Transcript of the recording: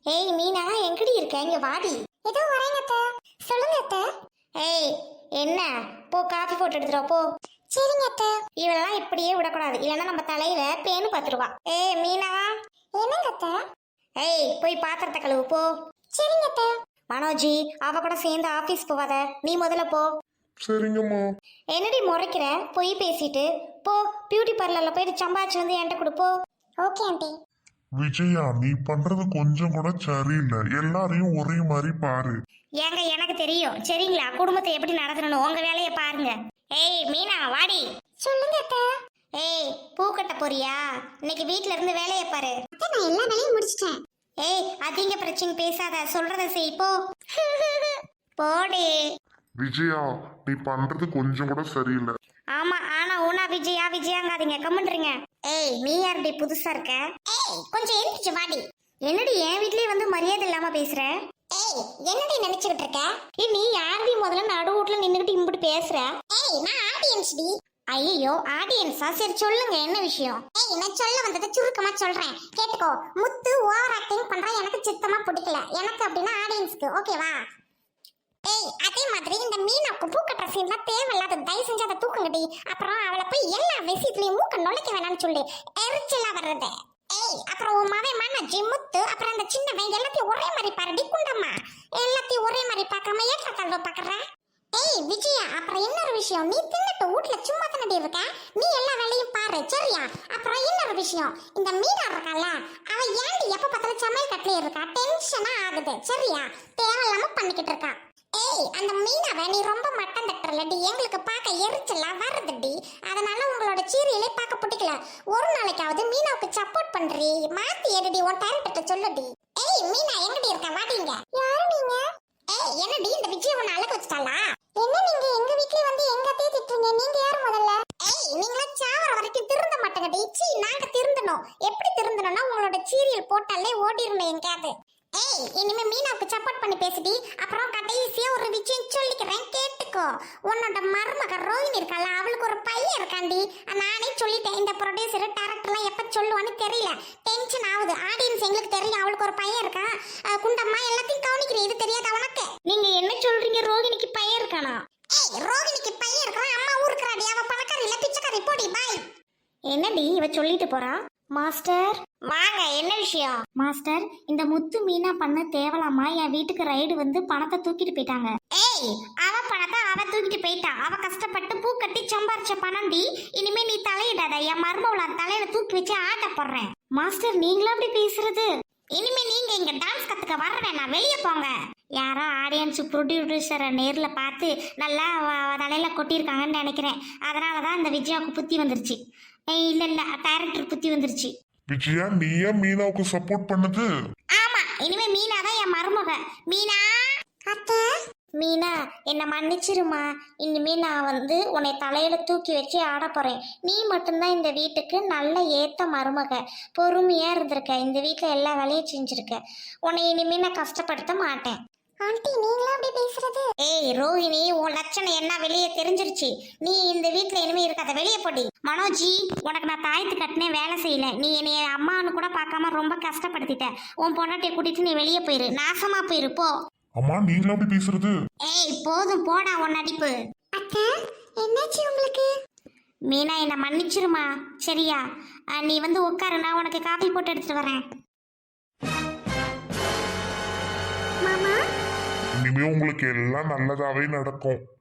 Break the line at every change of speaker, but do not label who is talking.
ஏய் மீனா, எங்கடி இருக்க? இங்க வாடி.
ஏதோ வரேங்க அத்தை. சொல்லுங்க அத்தை.
ஏய் என்ன, போ காஃபி போட்டு எடுத்துட்டு வா, போ.
சரிங்க அத்தை.
இவெல்லாம் இப்படியே விடக்கூடாது, இல்லைன்னா நம்ம தலையில பேனு பார்த்துருவா. ஏய் மீனா.
என்னங்க அத்தை?
ஏய் போய் பாத்திரத்தை கழுவு, போ.
சரிங்க அத்தை.
மனோஜி, அவ கூட சேர்ந்து ஆபீஸ் போவாத, நீ முதல்ல போ.
சரிங்கம்மா.
என்னடி முறைக்கிற? பொய் பேசிட்டு போ. பியூட்டி பார்லர்ல போயிட்டு சம்பாதிச்சு வந்து என்கிட்ட கொடுப்போ.
Okay aunty.
விஜயா, நீ பண்றது கொஞ்சம் கூட சரியில்லை. எல்லாரையும் ஒரே மாதிரி பாரு.
ஏங்க எனக்கு தெரியும், சரிங்களா? குடும்பத்தை எப்படி நடத்தணும், உங்க வேலையை பாருங்க. ஏய் மீனா வாடி.
சொல்லுங்க அத்தை.
ஏய் பூ கட்ட போறியா? இன்னைக்கு வீட்ல இருந்து வேலையை பாரு.
அத்தை, நான் எல்லா வேலையும் முடிச்சிட்டேன்.
ஏய் அதிக பிரச்சனை பேசாத, சொல்றத செய், போ. போடி.
விஜயா, நீ பண்றது கொஞ்சம் கூட சரியில்லை.
ஆமா, ஆனா ஊனா விஜயா விஜயாங்காதீங்க, கம்முன்றீங்க. ஏய் நீ யாருடி புதுசா இருக்க?
ஏய், கொஞ்சம் எந்திரிச்சு வாடி.
என்னடி என் வீட்லயே வந்து மரியாதை இல்லாம பேசுற?
ஏய், என்னடி நினைச்சுக்கிட்டு இருக்க?
ஏய் நீ யாருடி முதல்ல நடு வீட்ல நின்னுகிட்டு இம்புட்டு பேசுற?
ஏய், நான் ஆடியன்ஸ் டி.
ஐயோ ஆடியன்ஸா? சரி சொல்லுங்க, என்ன விஷயம்?
ஏய், நான் சொல்ல வந்ததை சுருக்கமா சொல்றேன், கேட்டுக்கோ. முத்து ஓவர் ஆக்டிங் பண்றா, எனக்கு சுத்தமா பிடிக்கல. எனக்கு அப்படின்னா ஆடியன்ஸ்க்கு, ஓகேவா? ஏய், அதே மாதிரி இந்த மீனாக்கு பூ கட்டுற சீன்லாம் தேவையில்லாத, தயவு செஞ்சு அதை தூக்குங்கடி. அப்புறம் அவளை போய் எல்லா விஷயத்துலயும் மூக்க நுழைக்க வேணாம்னு சொல்லி எரிச்சலா வர்றது. ஏய், அப்புறம் உன் மவன் மனோஜி, முத்து, அப்புறம் அந்த சின்னவன் எல்லாத்தையும் ஒரே மாதிரி பாருடி. குண்டம்மா, எல்லாத்தையும் ஒரே மாதிரி பார்க்காம ஏற்ற தாழ்வு பாக்குற. ஏய் விஜயா, அப்புறம் இன்னொரு விஷயம், நீ தின்னுட்டு வீட்ல சும்மா தானடி இருக்க, நீ எல்லா வேலையும் பாரு, சரியா? அப்புறம் இன்னொரு விஷயம், இந்த மீனா இருக்கால, அவ ஏன்டி எப்ப பார்த்தாலும் சமையல் கட்டிலே இருக்கா? டென்ஷனா ஆகுது, சரியா? தேவையில்லாம பண்ணிக்கிட்டு இருக்கா. ஏய், அந்த மீனாவை நீ ரொம்ப மட்டம் தட்டுறலடி, எங்களுக்கு பார்க்க எரிச்சலா வருதுடி. அதனால உங்களோட சீரியலை பார்க்க பிடிக்கல. ஒரு நாளைக்காவது மீனாவுக்கு சப்போர்ட் பண்றீ, மாத்தி எடுடி, உன் டேரக்டர்ட்ட சொல்லுடி. ஏய் மீனா, எங்கடி இருக்க? வாடிங்க. யாரு நீங்க? ஏய், என்னடி இந்த விஜய் உன்னை அழக வச்சுட்டாளா? என்ன நீங்க எங்க வீட்லயே வந்து எங்க அத்தையை திட்டுறீங்க? நீங்க யாரு முதல்ல? ஏய், நீங்களா சாவர வரைக்கும் திருந்த மாட்டேங்கடி. சீ, நாங்க திருந்தணும். எப்படி திருந்தணும்னா உங்களோட சீரியல் போட்டாலே ஓடிரணும் எங்கேயாவது. ஏய், இனிமே மீனாவுக்கு சப்போர்ட் பண்ணி பேசுடி. அப்புறம் கடைசியா ஒரு விஷயம் சொல்லிக்கிறேன், கேட்டுக்கோ. உன்னோட மருமக ரோஹினி இருக்கால, அவளுக்கு ஒரு பையன் இருக்காண்டி. நானே சொல்லிட்டேன், இந்த ப்ரொடியூசர் டைரக்டர்லாம் எப்ப சொல்லுவான்னு தெரியல. டென்ஷன் ஆகுது. ஆடியன்ஸ் எங்களுக்கு தெரியும் அவளுக்கு ஒரு பையன் இருக்கா. குண்டம்மா எல்லாத்தையும் கவனிக்கிறேன், இது தெரியாத உனக்கு?
நீங்க என்ன சொல்றீங்க? ரோகிணிக்கு பையன் இருக்கானா?
ஏய், ரோஹினிக்கு பையன் இருக்கான், அம்மா ஊருக்குறாடி. அவ பணக்காரி இல்ல, பிச்சைக்காரி. போடி பாய்.
என்னடி இவ சொல்லிட்டு போறா? மாஸ்டர் வாங்க, என்ன விஷயம்? மாஸ்டர், இந்த முத்து மீனா பண்ண தேவலாமா? என் வீட்டுக்கு ரைடு வந்து பணத்தை தூக்கிட்டு போயிட்டாங்க. ஏய், அவ பணத்தை அவ தூக்கிட்டு போயிட்டா. அவ கஷ்டப்பட்டு பூ கட்டி சம்பாரிச்ச பணம்டி. இனிமே நீ தலையிடாத, என் மருமவள தலையில தூக்கி வச்சு ஆட்ட போடுறேன். மாஸ்டர், நீங்களா அப்படி பேசுறது? இனிமே நீங்க இங்க டான்ஸ் கத்துக்க வர வேணாம், வெளியே போங்க. யாரோ ஆடியன்ஸ் ப்ரொடியூசரை நேர்ல பார்த்து நல்லா தலையில கொட்டியிருக்காங்கன்னு நினைக்கிறேன். அதனாலதான் இந்த விஜயாவுக்கு புத்தி வந்துருச்சு. இல்ல இல்ல, டைரக்டர் புத்தி வந்துருச்சு.
விஜயா, நீ ஏன் மீனாவுக்கு சப்போர்ட் பண்ணது?
ஆமா, இனிமே மீனா தான் என் மருமக. மீனா.
அத்தை.
மீனா, என்ன மன்னிச்சிருமா. இனிமே நான் வந்து உன்னை தலையில தூக்கி வச்சு ஆட போறேன். நீ மட்டும்தான் இந்த வீட்டுக்கு நல்ல ஏத்த மருமக. பொறுமையா இருந்திருக்க, இந்த வீட்டுல எல்லா வேலையும் செஞ்சிருக்க. உன்னை இனிமே நான் கஷ்டப்படுத்த மாட்டேன்.
ஆண்டி, நீங்களா அப்படி பேசுறது?
ஏய் ரோஹிணி, உன் லட்சணம் என்ன வெளியே தெரிஞ்சிருச்சு. நீ இந்த வீட்டுல இனிமே இருக்காத, வெளியே போடி. மனோஜி, உனக்கு நான் தாயத்து கட்டினே வேலை செய்யல. நீ என்னைய அம்மானு கூட பார்க்காம ரொம்ப கஷ்டப்படுத்திட்ட. உன் பொண்டாட்டியை கூட்டிட்டு நீ வெளியே போயிரு, நாசமா போயிரு, போ.
அம்மா, நீங்களா அப்படி பேசுறது?
ஏய் போதும் போடா உன் நடிப்பு.
அத்தை, என்னாச்சு உங்களுக்கு?
மீனா, என்ன மன்னிச்சிருமா, சரியா? நீ வந்து உட்காரு, நான் உனக்கு காஃபி போட்டு எடுத்துட்டு வரேன்.
மாமா,
இனிமே உங்களுக்கு எல்லாம் நல்லதாவே நடக்கும்.